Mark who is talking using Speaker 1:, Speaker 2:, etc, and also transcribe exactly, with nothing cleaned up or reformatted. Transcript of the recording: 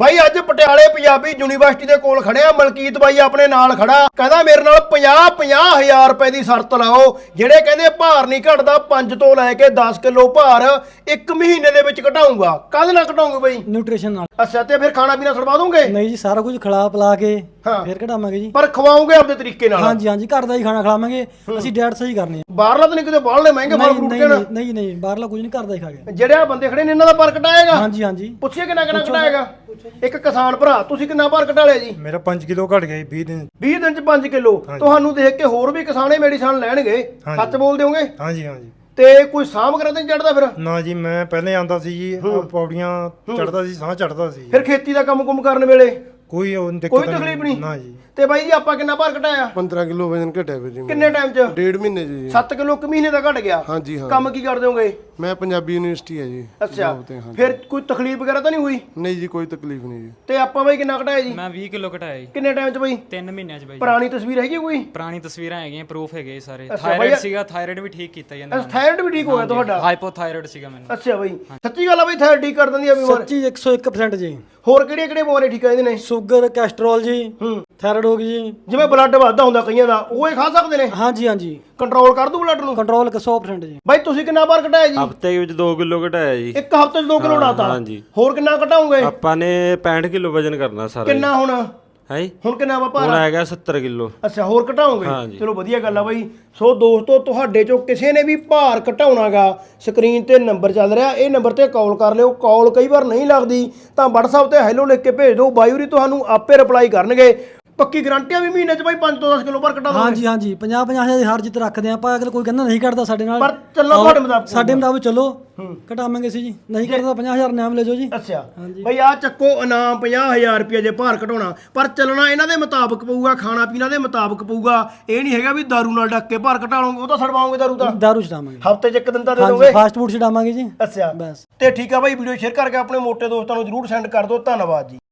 Speaker 1: ਬਾਈ ਅੱਜ ਪਟਿਆਲੇ ਪੰਜਾਬੀ ਯੂਨੀਵਰਸਿਟੀ ਦੇ ਕੋਲ ਖੜਿਆ ਮਲਕੀਤ ਬਾਈ ਆਪਣੇ ਨਾਲ ਖੜਾ ਕਹਿੰਦਾ ਮੇਰੇ ਨਾਲ ਪੰਜਾਹ ਪੰਜਾਹ ਹਜ਼ਾਰ ਰੁਪਏ ਦੀ ਸ਼ਰਤ ਲਾਓ ਜਿਹੜੇ ਕਹਿੰਦੇ ਭਾਰ ਨਹੀਂ ਘਟਦਾ ਪੰਜ ਤੋਂ ਲੈ ਕੇ ਦਸ ਕਿਲੋ ਭਾਰ ਇੱਕ ਮਹੀਨੇ ਦੇ ਵਿੱਚ ਘਟਾਊਂਗਾ। ਕਾਹਦੇ ਨਾਲ ਘਟਾਉਂਗੇ ਬਾਈ?
Speaker 2: ਨਿਊਟ੍ਰੀਸ਼ਨ ਨਾਲ।
Speaker 1: ਅੱਛਾ ਤੇ ਫਿਰ ਖਾਣਾ ਪੀਣਾ ਛੁਡਵਾ ਦੋਗੇ?
Speaker 2: ਨਹੀਂ ਜੀ ਸਾਰਾ ਕੁਝ ਖਿਲਾ ਪਿਲਾ ਕੇ
Speaker 1: ਹਾਂ।
Speaker 2: ਫਿਰ ਘਟਾਵਾਂਗੇ ਜੀ।
Speaker 1: ਪਰ ਖਵਾਓਗੇ ਆਪਣੇ ਤਰੀਕੇ ਨਾਲ?
Speaker 2: ਹਾਂਜੀ ਹਾਂਜੀ ਘਰ ਦਾ ਹੀ ਖਾਣਾ ਖਿਲਾਵਾਂਗੇ ਅਸੀਂ, ਡਾਈਟ ਸਹੀ ਕਰਨੀ ਹੈ।
Speaker 1: ਬਾਹਰਲਾ ਤਾਂ ਨਹੀਂ ਕਿਤੇ ਬਾਹਰਲੇ ਮਹਿੰਗੇ ਫਲ ਫਰੂਟ
Speaker 2: ਨਹੀਂ
Speaker 1: ਕਿਹੜਾ?
Speaker 2: ਨਹੀਂ ਨਹੀਂ ਬਾਹਰਲਾ ਕੁਝ ਨਹੀਂ, ਘਰ ਦਾ ਹੀ ਖਾ ਕੇ।
Speaker 1: ਜਿਹੜੇ ਆ ਬੰਦੇ ਖੜੇ ਨੇ ਇਹਨਾਂ ਦਾ ਭਾਰ ਘਟਾਏਗਾ?
Speaker 2: ਹਾਂਜੀ ਹਾਂਜੀ
Speaker 1: ਪੁੱਛੀਏ ਕਿੰਨਾ ਕਿੰਨਾ ਘਟਾਏਗਾ। ਇੱਕ ਕਿਸਾਨ ਭਰਾ ਤੁਸੀਂ ਕਿੰਨਾ ਭਾਰ ਘਟਾ ਲਿਆ ਜੀ?
Speaker 3: ਮੇਰਾ ਪੰਜ ਕਿਲੋ ਘਟ ਗਿਆ ਜੀ ਵੀਹ ਦਿਨ
Speaker 1: ਵੀਹ ਦਿਨ ਚ ਪੰਜ ਕਿਲੋ। ਤੁਹਾਨੂੰ ਦੇਖ ਕੇ ਹੋਰ ਵੀ ਕਿਸਾਨੇ ਮੈਡੀਸਨ ਲੈਣਗੇ, ਸੱਚ ਬੋਲ ਦਿਓਗੇ?
Speaker 3: ਹਾਂਜੀ ਹਾਂਜੀ।
Speaker 1: ਤੇ ਕੋਈ ਸਾਂਭ ਕਰਾ ਤੇ ਚੜਦਾ ਫਿਰ?
Speaker 3: ਨਾ ਜੀ ਮੈਂ ਪਹਿਲੇ ਆਂਦਾ ਸੀ ਜੀ, ਆਹ ਪੌੜੀਆਂ ਚੜਦਾ ਸੀ, ਸਾਹ ਚੜਦਾ ਸੀ।
Speaker 1: ਫਿਰ ਖੇਤੀ ਦਾ ਕੰਮ ਕੁਮ ਕਰਨ ਵੇਲੇ
Speaker 3: ਕੋਈ ਉਹ ਦਿੱਕਤ
Speaker 1: ਕੋਈ ਤਕਲੀਫ ਨਹੀਂ?
Speaker 3: ਨਾ ਜੀ।
Speaker 1: ਤੇ ਬਾਈ ਜੀ ਆਪਾਂ ਕਿੰਨਾ ਭਾਰ ਘਟਾਇਆ?
Speaker 4: ਪੰਦਰਾਂ ਕਿਲੋ ਵਜਨ ਘਟਿਆ ਵੀਰ ਜੀ।
Speaker 1: ਕਿੰਨੇ ਟਾਈਮ ਚ?
Speaker 4: ਡੇਢ ਮਹੀਨੇ 'ਚ ਜੀ।
Speaker 1: ਸੱਤ ਕਿਲੋ ਇੱਕ ਮਹੀਨੇ ਦਾ ਘਟ ਗਿਆ।
Speaker 4: ਹਾਂਜੀ ਹਾਂ।
Speaker 1: ਕੰਮ ਕੀ ਕਰਦੇ ਹੋਗੇ?
Speaker 4: ਮੈਂ ਪੰਜਾਬੀ ਯੂਨੀਵਰਸਿਟੀ ਹੈ ਜੀ।
Speaker 1: ਅੱਛਾ
Speaker 4: job ਤੇ, ਹਾਂਜੀ।
Speaker 1: ਫਿਰ ਕੋਈ ਤਕਲੀਫ ਵਗੈਰਾ ਤਾਂ ਨਹੀਂ ਹੋਈ?
Speaker 4: ਨਹੀਂ ਜੀ ਕੋਈ ਤਕਲੀਫ ਨਹੀਂ ਜੀ।
Speaker 1: ਤੇ ਆਪਾਂ ਬਾਈ ਕਿੰਨਾ ਘਟਾਇਆ ਜੀ?
Speaker 5: ਮੈਂ ਵੀਹ ਕਿਲੋ ਘਟਾਇਆ ਜੀ
Speaker 1: ਕਿੰਨੇ ਟਾਈਮ ਚ ਬਾਈ?
Speaker 5: ਤਿੰਨ ਮਹੀਨਿਆਂ ਚ ਬਾਈ।
Speaker 1: ਪੁਰਾਣੀ ਤਸਵੀਰ ਹੈਗੀ ਕੋਈ?
Speaker 5: ਪੁਰਾਣੀ ਤਸਵੀਰਾਂ ਹੈਗੀਆਂ, ਪ੍ਰੂਫ ਹੈਗੇ ਸਾਰੇ।
Speaker 1: ਅੱਛਾ
Speaker 5: ਥਾਇਰਾਇਡ
Speaker 1: ਬਾਈ-
Speaker 5: ਸੀਗਾ, ਥਾਇਰਾਇਡ ਵੀ ਠੀਕ ਕੀਤਾ ਜਾਂਦਾ।
Speaker 1: ਥਾਇਰਾਇਡ ਵੀ ਠੀਕ ਹੋ ਗਿਆ ਤੁਹਾਡਾ?
Speaker 5: ਹਾਈਪੋਥਾਇਰਾਇਡ ਸੀਗਾ ਮੈਨੂੰ।
Speaker 1: ਅੱਛਾ ਬਾਈ ਸੱਚੀ ਗੱਲ ਆ ਬਾਈ ਥਾਇਰਾਇਡ ਠੀਕ ਕਰ ਦਿੰਦੀ ਆ ਬਿਮਾਰੀ?
Speaker 2: ਸੱਚੀ ਇੱਕ ਸੌ ਇੱਕ ਪਰਸੈਂਟ ਜੀ।
Speaker 1: ਹੋਰ ਕਿਹੜੀਆਂ ਕਿਹੜੀਆਂ ਬਿਮਾਰੀਆਂ ਠੀਕ ਕਰ ਦਿੰਦੇ ਨੇ?
Speaker 2: ਸ਼ੂਗਰ, ਕੈਸਟਰੋਲ ਜੀ,
Speaker 1: ਹੂੰ
Speaker 2: ਥਾਇਰਾਇਡ ਹੋ ਗਈ ਜੀ।
Speaker 1: ਜਿਵੇਂ ਬਲੱਡ ਵੱਧਦਾ ਹੁੰਦਾ ਕਈਆਂ ਦਾ, ਉਹ ਇਹ ਖਾ ਸਕਦੇ ਨੇ?
Speaker 2: ਹਾਂਜੀ ਹਾਂਜੀ
Speaker 1: ਕੰਟਰੋਲ ਕਰ ਦੂ ਬਲੱਡ ਨੂੰ?
Speaker 2: ਕੰਟਰੋਲ ਸੌ ਪਰਸੈਂਟ ਜੀ।
Speaker 1: ਬਾਈ ਤੁਸੀਂ ਕਿੰਨਾ ਭਾਰ ਘਟਾਇਆ ਜੀ?
Speaker 6: ਹਫ਼ਤੇ ਵਿੱਚ ਦੋ ਕਿਲੋ ਘਟਾਇਆ ਜੀ।
Speaker 1: ਇੱਕ ਹਫ਼ਤੇ ਚ ਦੋ ਕਿਲੋ ਘਟਾਤਾ?
Speaker 6: ਹਾਂਜੀ।
Speaker 1: ਹੋਰ ਕਿੰਨਾ ਘਟਾਉਂਗੇ?
Speaker 6: ਆਪਾਂ ਨੇ ਪੈਂਹਠ ਕਿਲੋ ਵਜਨ ਕਰਨਾ ਸਾਰਾ।
Speaker 1: ਕਿੰਨਾ ਹੁਣ?
Speaker 6: ਹੈ ਜੀ
Speaker 1: ਹੁਣ ਕਿੰਨਾ ਵਾ
Speaker 6: ਹੁਣ
Speaker 1: ਭਾਰ?
Speaker 6: ਆਏਗਾ ਸੱਤਰ ਕਿਲੋ।
Speaker 1: ਅੱਛਾ ਹੋਰ ਘਟਾਉਂਗੇ?
Speaker 6: ਹਾਂਜੀ।
Speaker 1: ਚਲੋ ਵਧੀਆ ਗੱਲ ਆ ਬਾਈ। ਸੋ ਦੋਸਤੋ ਤੁਹਾਡੇ ਚੋਂ ਕਿਸੇ ਨੇ ਵੀ ਭਾਰ ਘਟਾਉਣਾਗਾ, ਸਕਰੀਨ ਤੇ ਨੰਬਰ ਚੱਲ ਰਿਹਾ, ਇਹ ਨੰਬਰ ਤੇ ਕਾਲ ਕਰ ਲਿਓ। ਕਾਲ ਕਈ ਵਾਰ ਨਹੀਂ ਲੱਗਦੀ ਤਾਂ WhatsApp ਤੇ ਹੈਲੋ ਲਿਖ ਕੇ ਭੇਜ ਦਿਓ, ਬਾਈ ਹੋਰੀ ਤੁਹਾਨੂੰ ਆਪੇ ਰਿਪਲਾਈ ਕਰਨਗੇ। ਪੱਕੀ ਗਾਰੰਟੀ ਆ ਵੀ ਮਹੀਨੇ ਚ ਬਾਈ ਪੰਜ ਤੋਂ ਦਸ ਕਿਲੋ ਭਾਰ ਘਟਾ ਦੋਗੇ?
Speaker 2: ਹਾਂਜੀ ਹਾਂਜੀ ਪੰਜਾਹ ਪੰਜਾਹ ਹਜ਼ਾਰ ਦੀ ਹਰ ਜਿੱਤ ਰੱਖਦੇ ਆ ਆਪਾਂ। ਅਗਰ ਕੋਈ ਕਹਿੰਦਾ ਨਹੀਂ ਘਟਦਾ ਸਾਡੇ ਨਾਲ,
Speaker 1: ਪਰ ਚੱਲੋ ਤੁਹਾਡੇ ਮੁਤਾਬਕ।
Speaker 2: ਸਾਡੇ ਮੁਤਾਬਕ ਚਲੋ ਘਟਾਵਾਂਗੇ ਸੀ ਜੀ। ਨਹੀਂ ਘਟਦਾ ਪੰਜਾਹ ਹਜ਼ਾਰ ਨਾਮ ਲੈ ਜਾਓ ਜੀ।
Speaker 1: ਅੱਛਾ ਬਈ ਆ ਚੱਕੋ ਇਨਾਮ ਪੰਜਾਹ ਹਜ਼ਾਰ ਰੁਪਏ ਜੇ ਭਾਰ ਘਟਾਉਣਾ, ਪਰ ਚੱਲਣਾ ਇਹਨਾਂ ਦੇ ਮੁਤਾਬਕ ਪਊਗਾ, ਖਾਣਾ ਪੀਣਾ ਦੇ ਮੁਤਾਬਕ ਪਊਗਾ। ਇਹ ਨਹੀਂ ਹੈਗਾ ਵੀ ਦਾਰੂ ਨਾਲ ਡੱਕ ਕੇ ਭਾਰ ਘਟਾ ਲਓਗੇ, ਉਹ ਤਾਂ ਛਡਵਾਓਗੇ ਦਾਰੂ ਤਾਂ।
Speaker 2: ਦਾਰੂ ਛਡਾਵਾਂਗੇ
Speaker 1: ਹਫ਼ਤੇ ਚ ਇੱਕ ਦਿਨ ਤਾਂ ਦੇ
Speaker 2: ਹਾਂਜੀ,
Speaker 1: ਦੋਗੇ?
Speaker 2: ਫਾਸਟ ਫੂਡ ਛਡਾਵਾਂਗੇ ਜੀ।
Speaker 1: ਅੱਛਾ
Speaker 2: ਬਸ।
Speaker 1: ਤੇ ਠੀਕ ਆ ਬਾਈ, ਵੀਡੀਓ ਸ਼ੇਅਰ ਕਰਕੇ ਆਪਣੇ ਮੋਟੇ ਦੋਸਤਾਂ ਨੂੰ ਜਰੂਰ ਸੈਂਡ ਕਰ ਦਿਓ। ਧੰਨਵਾਦ ਜੀ।